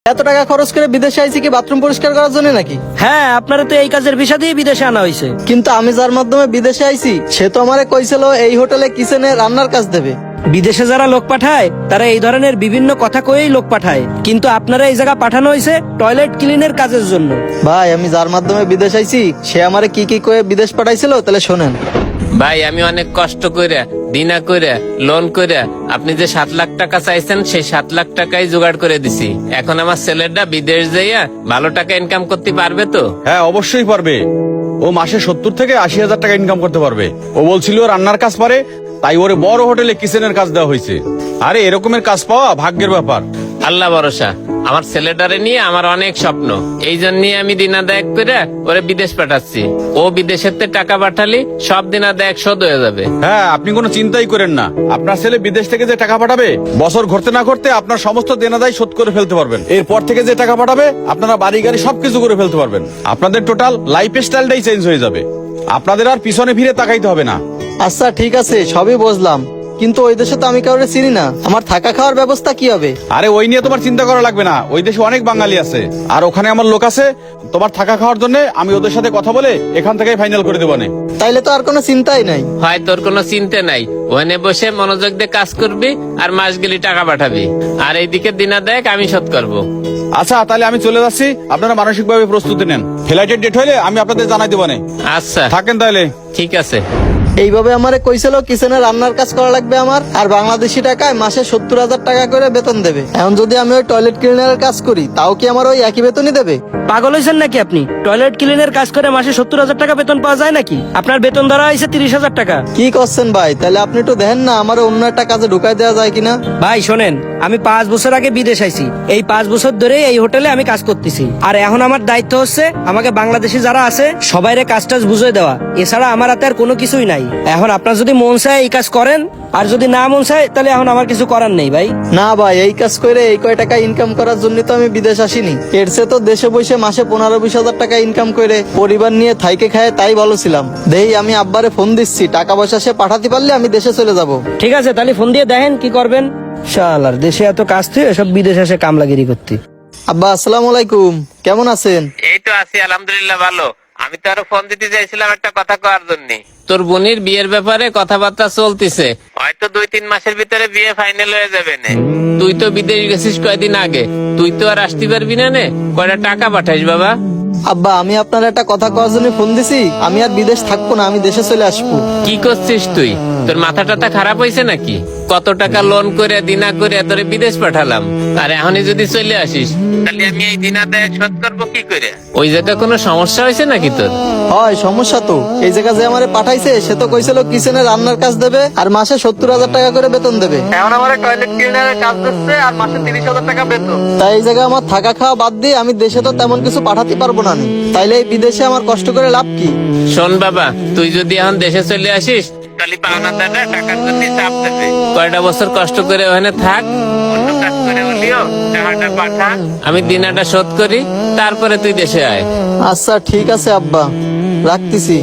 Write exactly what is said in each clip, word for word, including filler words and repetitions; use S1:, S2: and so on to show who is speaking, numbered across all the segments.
S1: এত টাকা খরচ করে বিদেশে আইছি কি বাথরুম পরিষ্কার করার জন্য নাকি?
S2: হ্যাঁ, আপনারা তো এই কাজের ভিসা দিয়ে বিদেশে আনা হয়েছে।
S1: কিন্তু আমি যার মাধ্যমে বিদেশে আইছি সে তো আমারে কইছিল এই হোটেলে কিচেনে রান্নার কাজ দেবে।
S2: বিদেশে যারা লোক পাঠায় তারা এই ধরনের বিভিন্ন কথা কয়েই লোক পাঠায়, কিন্তু আপনারা এই জায়গা পাঠানো হয়েছে টয়লেট ক্লিনের কাজের জন্য।
S1: ভাই আমি যার মাধ্যমে বিদেশ আইছি সে আমারে কি কি কয়ে বিদেশ পাঠাইছিল তাহলে শোনেন।
S3: ভাই আমি অনেক কষ্ট করে দিনা করে লোন করে আপনি যে সাত লাখ টাকা চাইছেন সেই সাত লাখ টাকাই জোগাড় করে দিছি। এখন আমার ছেলেটা বিদেশ যাইয়া ভালো টাকা ইনকাম করতে পারবে তো?
S4: হ্যাঁ অবশ্যই পারবে। ও মাসে সত্তর থেকে আশি হাজার টাকা ইনকাম করতে পারবে। ও বলছিল রান্নার কাজ পারে, তাই ওরে বড় হোটেলে কিচেনের কাজ দেওয়া হয়েছে। আরে এরকমের কাজ পাওয়া ভাগ্যের ব্যাপার।
S3: আল্লাহ ভরসা, আমার ছেলেটারে নিয়ে আমার অনেক স্বপ্ন, এই জন্য আমি দিনাদায়ক করে ওরে বিদেশ পাঠাচ্ছি। ও বিদেশের তে টাকা পাঠালি সব দিনাদায়ক শোধ হয়ে যাবে।
S4: হ্যাঁ আপনি কোনো চিন্তাই করেন না, আপনার ছেলে বিদেশ থেকে যে টাকা পাঠাবে বছর ঘুরতে না করতে আপনার সমস্ত দেনাদায় শোধ করে ফেলতে পারবেন। এরপর থেকে যে টাকা পাঠাবে আপনারা বাড়ি গাড়ি সবকিছু করে ফেলতে পারবেন। আপনাদের টোটাল লাইফ স্টাইলটাই চেঞ্জ হয়ে যাবে। আপনাদের আর পিছনে ফিরে তাকাইতে হবে না।
S1: আচ্ছা ঠিক আছে সবই বুঝলাম, কিন্তু ওই দেশে তো আমি কাউরে চিনি না, আমার থাকা খাওয়ার ব্যবস্থা কি হবে?
S4: আরে ওই নিয়ে তোমার চিন্তা করা লাগবে না, ওই দেশে অনেক বাঙালি আছে আর ওখানে আমার লোক আছে। তোমার থাকা খাওয়ার জন্য আমি ওদের সাথে কথা বলে এখান থেকে ফাইনাল করে দেবো।
S1: তাইলে তো আর কোনো চিন্তাই নাই।
S3: হয় তোর কোনো চিন্তা নাই, ওখানে বসে মনোযোগ দিয়ে কাজ করবি আর মাস গেলি টাকা পাঠাবি, আর এইদিকে দিনাদায়ক আমি শোধ করবো।
S4: আচ্ছা তাহলে আমি চলে যাচ্ছি, আপনারা মানসিক ভাবে প্রস্তুতি নেন। ফ্লাইটের ডেট হইলে আমি আপনাদের জানাই দেবো।
S3: আচ্ছা
S4: থাকেন তাহলে।
S3: ঠিক আছে।
S1: এইভাবে আমারে কইছিল কিচেনে রান্নার কাজ করা লাগবে আমার, আর বাংলাদেশি টাকায় মাসে সত্তর হাজার টাকা করে বেতন দেবে। এখন যদি আমি ওই টয়লেট ক্লিনারের কাজ করি তাও কি আমার ওই একই বেতনই দেবে?
S2: পাগল হয়েছেন নাকি আপনি? টয়লেট ক্লিনের কাজ করে মাসে সত্তর হাজার টাকা বেতন পাওয়া যায় নাকি? আপনার বেতন ধরা হয়েছে তিরিশ হাজার টাকা।
S1: কি করছেন ভাই? তাহলে আপনি একটু দেখেন না আমার অন্য একটা কাজে ঢুকাই দেওয়া যায় কিনা।
S2: ভাই শোনেন, আমি পাঁচ বছর আগে বিদেশ আইছি, এই পাঁচ বছর ধরে এই হোটেলে আমি কাজ করতেছি। আর এখন আমার দায়িত্ব হচ্ছে আমাকে বাংলাদেশি যারা আছে সবাইরে কাজ টাজ বুঝিয়ে দেওয়া, এছাড়া আমার হাতে আর কোনো কিছুই নাই। এখন আপনার যদি মন চায় এই কাজ করেন, আর যদি না মন চায় তাহলে এখন আমার কিছু করার নেই ভাই।
S1: না ভাই, এই কাজ করে এই কয় টাকা ইনকাম করার জন্য তো আমি বিদেশ আসিনি। এর চেয়ে তো দেশে বসে মাসে পনেরো বিশ হাজার টাকা ইনকাম করে পরিবার নিয়ে থাইকে খায় তাই ভালো ছিলাম। দেই আমি আব্বারে ফোন দিচ্ছি, টাকা পয়সা সে পাঠাতে পারলে আমি দেশে চলে যাব।
S2: ঠিক আছে তাহলে ফোন দিয়ে দেখেন কি করবেন। শালার দেশে এত কাজ থেকে সব বিদেশে এসে কামলাগিরি করতে।
S1: আব্বা আসসালামু আলাইকুম, কেমন আছেন?
S3: এই তো আছি আলহামদুলিল্লাহ ভালো। আমি তো আরো ফোন দিতে চাইছিলাম একটা কথা কওয়ার জন্য। তোর বোনের বিয়ের ব্যাপারে কথাবার্তা চলতেছে, হয়তো দুই তিন মাসের ভিতরে বিয়ে ফাইনাল হয়ে যাবে না। তুই তো বিদেশ গেছিস কয়দিন আগে, তুই তো আর আসতে পারবি না নে, কয়টা টাকা পাঠাইস বাবা?
S1: আব্বা আমি আপনার একটা কথা কওয়ার জন্য ফোন দিছি, আমি আর বিদেশ থাকবো না, আমি দেশে চলে আসবো।
S3: কি করছিস তুই? তোর মাথা টাথা খারাপ হয়েছে নাকি? কত টাকা লোন করে দিনা করে তোরে বিদেশ পাঠালাম, আর এখনই যদি চলে আসিস তাহলে আমি এই দিনা দেয় শোধ করবো কি করে? ওই জায়গায় কোনো সমস্যা হয়েছে নাকি তোর?
S1: হয় সমস্যা তো, এই জায়গা যে আমারে পাঠাইছে সে তো কইছিল কিচেনে রান্নার কাজ দেবে আর মাসে সত্তর হাজার টাকা করে বেতন দেবে। এখন আমার টয়লেট ক্লিনারের কাজ দিচ্ছে আর মাসে তিরিশ হাজার টাকা বেতন। তাই এই জায়গায় আমার থাকা খাওয়া বাদ দিয়ে আমি দেশে তো তেমন কিছু পাঠাতে পারবো না। তাইলে এই বিদেশে আমার কষ্ট করে লাভ কি?
S3: শোন বাবা, তুই যদি এখন দেশে চলে আসিস তাহলে পাওনাদাররা টাকার জন্য চাপ দেবে। কয়টা বছর কষ্ট করে ওখানে থাক, অন্য কাজ করে হলেও টাকাটা পাঠা, আমি দিনাটা শোধ করি, তারপরে তুই দেশে আয়।
S1: আচ্ছা ঠিক আছে আব্বা, রাখতেছি।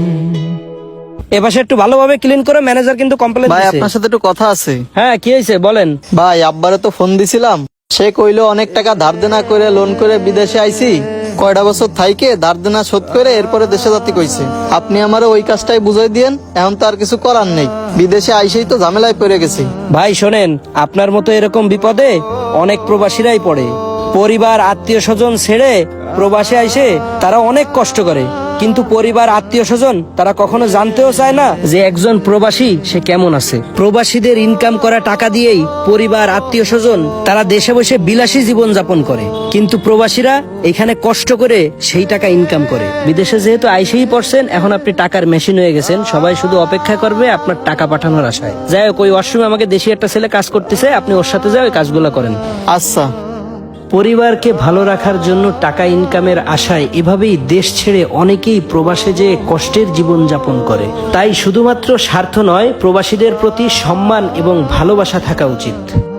S2: এপাশে একটু ভালোভাবে ক্লিন করে, ম্যানেজার কিন্তু কমপ্লেন
S1: ভাই
S2: দিছে।
S1: আপনার সাথে একটু কথা আছে।
S2: হ্যাঁ কি হয়েছে বলেন।
S1: ভাই আব্বারে তো ফোন দিছিলাম, সে কইলো অনেক টাকা ধার দেনা করে লোন করে বিদেশে আইছি, কয়টা বছর থাইকে ধার দেনা শোধ করে এরপরে দেশে যাতে কইছে। আপনি আমারে ওই কাজটাই বুঝাই দিয়েন, এখন তো আর কিছু করার নেই, বিদেশে আইসেই তো ঝামেলায় পড়ে গেছি।
S2: ভাই শোনেন, আপনার মতো এরকম বিপদে অনেক প্রবাসীরাই পড়ে। পরিবার আত্মীয় স্বজন ছেড়ে প্রবাসে আইসে তারা অনেক কষ্ট করে, কিন্তু পরিবার আত্মীয় স্বজন তারা কখনো জানতেও চায় না যে একজন প্রবাসী সে কেমন আছে। প্রবাসীদের ইনকাম করা টাকা দিয়েই পরিবার আত্মীয় স্বজন তারা দেশে বসে বিলাসী জীবন যাপন করে, কিন্তু প্রবাসীরা এখানে কষ্ট করে সেই টাকা ইনকাম করে। বিদেশে যেহেতু আইসেই পড়ছেন, এখন আপনি টাকার মেশিন হয়ে গেছেন, সবাই শুধু অপেক্ষা করবে আপনার টাকা পাঠানোর আশায়। যাই হোক, ওই ওয়াশরুমে আমাকে দেশি একটা ছেলে কাজ করতেছে, আপনি ওর সাথে যাও, ওই কাজগুলো করেন।
S1: আচ্ছা।
S2: পরিবারকে ভালো রাখার জন্য টাকা ইনকামের আশায় এভাবেই দেশ ছেড়ে অনেকেই প্রবাসে যেয়ে কষ্টের জীবন যাপন করে। তাই শুধুমাত্র স্বার্থ নয়, প্রবাসীদের প্রতি সম্মান এবং ভালোবাসা থাকা উচিত।